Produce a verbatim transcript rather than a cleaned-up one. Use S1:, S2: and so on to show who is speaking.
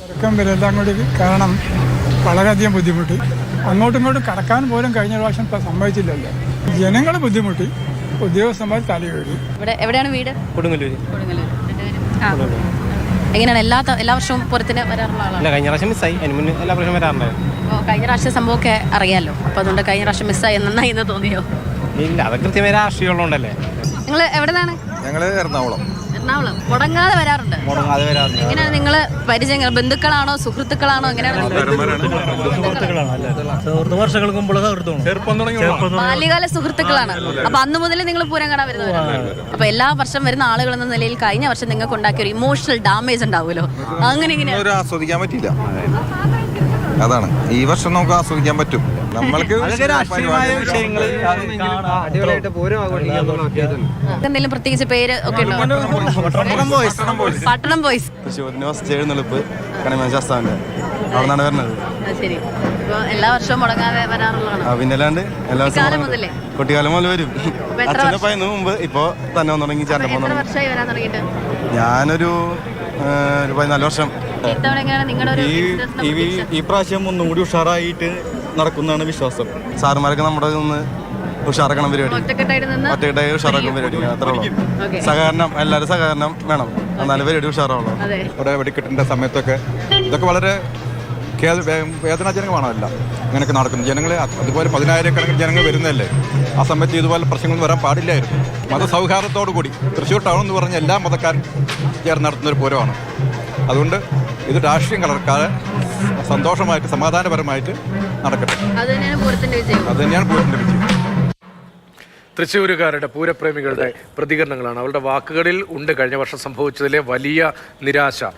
S1: തിരക്കം വരെല്ലാം കൂടി കാരണം വളരെയധികം ബുദ്ധിമുട്ടി. അങ്ങോട്ടും ഇങ്ങോട്ടും കടക്കാൻ പോലും കഴിഞ്ഞ പ്രാവശ്യം ഇപ്പം സംഭവിച്ചില്ലല്ലോ. ജനങ്ങൾ ബുദ്ധിമുട്ടി, ഉദ്യോഗസ്ഥന്മാർ തലകേറി.
S2: ഇവിടെ എവിടെയാണ് വീട്?
S3: കൊടുങ്ങല്ലൂർ.
S2: എങ്ങനെയാണ് എല്ലാ എല്ലാ വർഷവും പുറത്തിന് വരാറുള്ള ആളാണ്?
S3: കഴിഞ്ഞ പ്രാവശ്യം മിസ്സായി, അതിന് മുന്നേ എല്ലാ പ്രാവശ്യം വരാറുണ്ടായിരുന്നു.
S2: അപ്പോൾ കഴിഞ്ഞ പ്രാവശ്യം സംഭവമൊക്കെ അറിയാമല്ലോ, അപ്പോൾ അതുകൊണ്ട് കഴിഞ്ഞ പ്രാവശ്യം മിസ്സായി നന്നായി എന്ന് തോന്നിയോ?
S3: ഇല്ല, അത് കൃത്യമായി രാഷ്ട്രീയമുള്ളതുകൊണ്ടല്ലേ.
S2: നിങ്ങൾ എവിടെയാണ്?
S4: ഞങ്ങൾ എറണാകുളം.
S2: എറണാകുളം. മുടങ്ങാതെ വരാറുണ്ട്?
S4: മുടങ്ങാതെ വരാറുണ്ട്.
S2: എങ്ങനെയാണ് നിങ്ങൾ പരിചയങ്ങൾ? ബന്ധുക്കളാണോ സുഹൃത്തുക്കളാണോ? എങ്ങനെയാണ്?
S5: വർഷങ്ങൾക്ക് മുമ്പുള്ള
S2: ബാല്യകാല സുഹൃത്തുക്കളാണ്. അപ്പൊ അന്ന് മുതൽ നിങ്ങൾ പൂരം കാണാൻ വരുന്നവരാണ്. അപ്പൊ എല്ലാ വർഷം വരുന്ന ആളുകൾ എന്ന നിലയിൽ കഴിഞ്ഞ വർഷം നിങ്ങൾക്ക് ഉണ്ടാക്കിയ ഒരു ഇമോഷണൽ ഡാമേജ് ഉണ്ടാവുമല്ലോ, അങ്ങനെ ഇങ്ങനെ
S4: ആസ്വദിക്കാൻ പറ്റില്ല. അതാണ് ഈ വർഷം നമുക്ക് ആസ്വദിക്കാൻ പറ്റും. നമ്മൾക്ക്
S2: എന്തെങ്കിലും പ്രത്യേകിച്ച് പേര് ഒക്കെ ഉണ്ടോ? പട്ടണം ബോയ്സ്.
S4: എഴുന്നള്ളിപ്പ് കണിമശാസ്താവിന്റെ അവിടെ നിന്നാണ് വരുന്നത്.
S2: ശരി. ഇപ്പൊ എല്ലാ വർഷവും മുടങ്ങാതെ വരാറുള്ളതാണ്.
S4: പിന്നല്ലാണ്ട് എല്ലാ
S2: കാലം മുതലേ
S4: കുട്ടിക്കാലം മുതൽ വരും. അച്ഛനെ പയന്ന് മുമ്പ് ഇപ്പൊ തന്നെ വന്നു തുടങ്ങി. ചേട്ടൻ
S2: എത്ര വർഷമായി വരാൻ തുടങ്ങിയിട്ട്?
S4: ഞാനൊരു ഒരു പതിനാല് വർഷം.
S2: ഇത്തവണ എങ്ങനെയാണ് നിങ്ങളുടെ ഒരു
S5: ഈ പ്രാവശ്യം ഒന്നും കൂടി ഉഷാറായിട്ട് നടക്കുന്നതാണ് വിശ്വാസം.
S4: സാറുമാരൊക്കെ നമ്മുടെ നിന്ന് ഉഷാറാക്കണം പരിപാടി.
S2: ഒറ്റക്കെട്ടായിട്ട് നിന്ന്
S4: ഒറ്റക്കെട്ടായി ഉഷാറാക്കണം പരിപാടി. അത്രേ ഉള്ളൂ. സഹകരണം, എല്ലാവരും സഹകരണം വേണം, എന്നാലും പരിപാടി ഉഷാറാവുള്ളൂ.
S6: ഇവിടെ വെടിക്കെട്ടിൻ്റെ സമയത്തൊക്കെ ഇതൊക്കെ വളരെ വേദനാജനകമാണല്ല ഇങ്ങനെയൊക്കെ നടക്കുന്നത്. ജനങ്ങൾ അതുപോലെ പതിനായിരക്കണക്കിന് ജനങ്ങൾ വരുന്നതല്ലേ. ആ സമയത്ത് ഇതുപോലെ പ്രശ്നങ്ങളൊന്നും വരാൻ പാടില്ലായിരുന്നു. മതസൗഹാർദ്ദത്തോടു കൂടി തൃശ്ശൂർ ടൗൺ എന്ന് പറഞ്ഞ എല്ലാ മതക്കാരും ചേർന്ന് നടത്തുന്നൊരു പൂരമാണ്. അതുകൊണ്ട് ഇത് രാഷ്ട്രീയം കലർക്കാതെ സന്തോഷമായിട്ട് സമാധാനപരമായിട്ട് നടക്കട്ടെ.
S2: അത് തന്നെയാണ് പൂരത്തിന്റെ വിജയം.
S6: അത് തന്നെയാണ് പൂരത്തിൻ്റെ വിജയം.
S7: തൃശ്ശൂരുകാരുടെ പൂരപ്രേമികളുടെ പ്രതികരണങ്ങളാണ്. അവരുടെ വാക്കുകളിൽ ഉണ്ട് കഴിഞ്ഞ വർഷം സംഭവിച്ചതിലെ വലിയ നിരാശ.